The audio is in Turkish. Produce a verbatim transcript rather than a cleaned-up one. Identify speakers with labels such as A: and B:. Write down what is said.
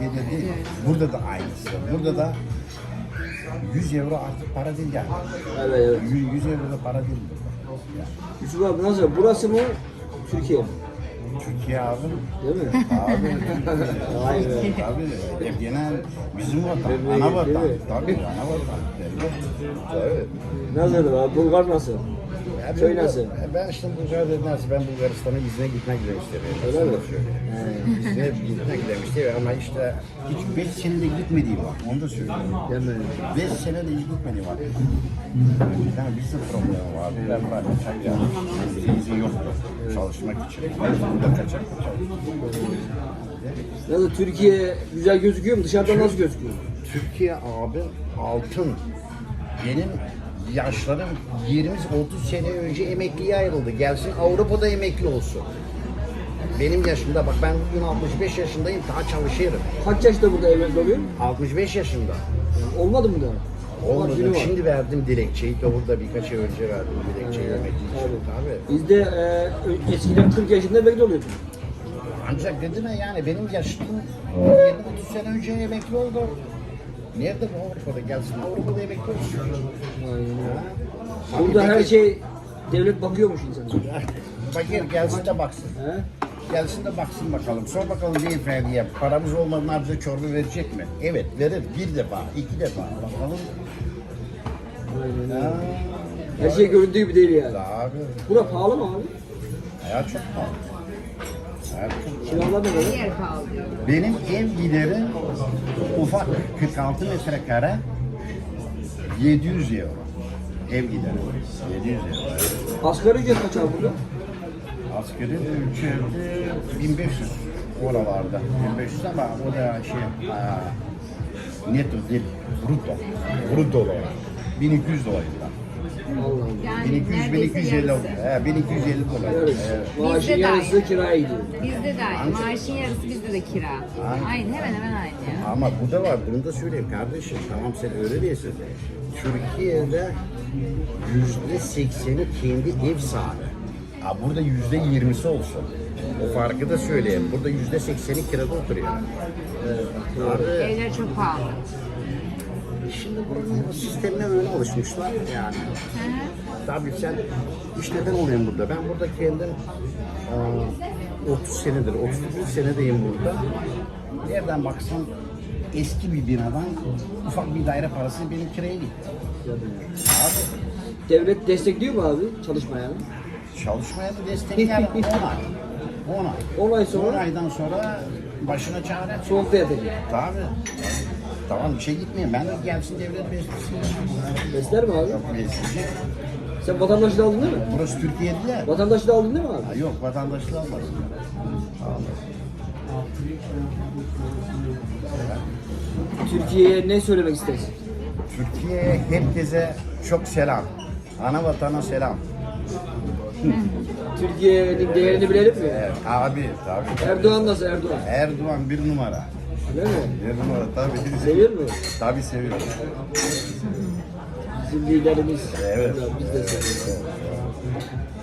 A: Türkiye'de değil. Burada da aynısı. Burada da yüz euro artık para değil yani.
B: Evet evet.
A: yüz euro da para değil burada. Yani.
B: Yusuf abi nasıl? Burası mı? Türkiye mi?
A: Türkiye abi.
B: Değil mi?
A: Abi.
B: Vay be.
A: Tabii. Hep genel bizim vatan.
B: Memleket,
A: Ana vatan.
B: değil mi?
A: Tabii ana vatan. Tabii.
B: Nasıl abi? Bulgar nasıl?
A: Ya
B: Köy
A: ben-
B: nasıl?
A: Ben işte Bulgaristan'a nasıl ben Bulgaristan'a izne gitmek istemiştim.
B: Öyle mi?
A: İzne gitmek istemiştim ama işte hiç beş senede gitmediğim var. Onu da söylüyorum.
B: Değil mi?
A: Beş senede hiç gitmediğim var. Yani bizim problemi vardı. Ben var. Yani bize izin yoktu. Çalışmak için. Burada kaçak kaçak.
B: Nasıl? Türkiye güzel gözüküyor mu? Dışarıdan nasıl gözüküyor?
A: Türkiye abi altın. Benim yaşlarım yirmi otuz sene önce emekliye ayrıldı. Gelsin Avrupa'da emekli olsun. Benim yaşımda bak ben bugün altmış beş yaşındayım daha çalışıyorum.
B: Kaç yaşta burada emekli oluyor?
A: altmış beş yaşında.
B: Yani olmadı mı daha?
A: Olmadı.
B: Günü var.
A: Şimdi verdim dilekçeyi de burada birkaç ay önce verdim dilekçeyi emekli için. Tabii.
B: Bizde e, eskiden kırk yaşında emekli oluyordu.
A: Ancak dedim ya yani benim yaşım yirmi otuz sene önce emekli oldu. Nerede bu Avrupa'da gelsin Avrupa'da emekli olsun. Ha?
B: Burada
A: Abi
B: her
A: peki-
B: şey devlet bakıyormuş insana.
A: Bakır gelsin de baksın.
B: He?
A: Gelsin de baksın bakalım. Sor bakalım beyefendiye paramız olmadan bize çorba verecek mi? Evet verir. Bir defa, iki defa. Bakalım. Ha,
B: Her şey göründüğü gibi değil yani.
A: abi.
B: Bura pahalı mı abi?
A: Hayat çok pahalı. Hayat çok pahalı.
B: Kiralar ne kadar?
C: Yer pahalı.
A: Benim ev gideri ufak kırk altı metrekare yedi yüz euro. Ev gideri. yedi yüz euro.
B: Asgari ücret kaç abi burada?
A: Askeri ücreti bin beş yüz oralarda. bin beş yüz ama o da şey ha, netto değil, brutto. Brutto olarak. bin iki yüz dolarında.
B: Allah Allah.
C: Yani
A: bin iki yüz, bin
C: neredeyse
A: iki yüz elli,
C: yarısı.
A: he, bin iki yüz elli dolar.
B: Evet.
A: Evet.
B: Maaşın
C: Bizde de
B: yarısı
C: aynı.
B: kiraya gidiyor.
C: Bizde de aynı. Maaşın yarısı bizde de kira.
A: Aynen.
C: Aynı hemen hemen aynı ya.
A: Ama bu da var, bunu da söyleyeyim kardeşim. Tamam sen öyle değilsin. Türkiye'de yüzde sekseni kendi ev sahibi. Ha, burada yüzde yirmisi olsun. O farkı da söyleyeyim. Burada yüzde sekseni kirada oturuyor. Abi,
C: Evler çok pahalı.
A: şimdi buranın sistemine öyle alışmışlar yani.
C: Hı hı.
A: Tabii sen iş neden olayım burada? Ben burada kendim aa, otuz senedir, otuz dokuz senedeyim burada. Nereden baksan eski bir binadan ufak bir daire parası benim kiraya gitti. Abi
B: Devlet destekliyor mu abi çalışmaya?
A: çalışmaya da destek yani on ay. on ay.
B: on ay
A: on
B: sonra
A: aydan sonra başına çare.
B: soğukta yatacak.
A: Tabii. Tamam bir şey gitmeyin. Ben de gelsin devlet beslesin.
B: Besler mi abi?
A: Besleyecek.
B: Sen vatandaşlığı aldın değil mi?
A: Burası Türkiye değil ya.
B: Vatandaşlığı aldın değil mi abi?
A: Ha, yok vatandaşlığı almaz.
B: Türkiye'ye ne söylemek istersin?
A: Türkiye'ye herkese çok selam. Ana vatana selam.
B: Türkiye'nin değerini bilelim mi?
A: Evet, abi tabii.
B: Erdoğan nasıl Erdoğan?
A: Erdoğan bir numara.
B: Öyle mi?
A: Bir numara tabii.
B: Seviyor mu?
A: Tabii seviyorum.
B: Bizim liderimiz.
A: Evet.
B: Biz de seviyoruz.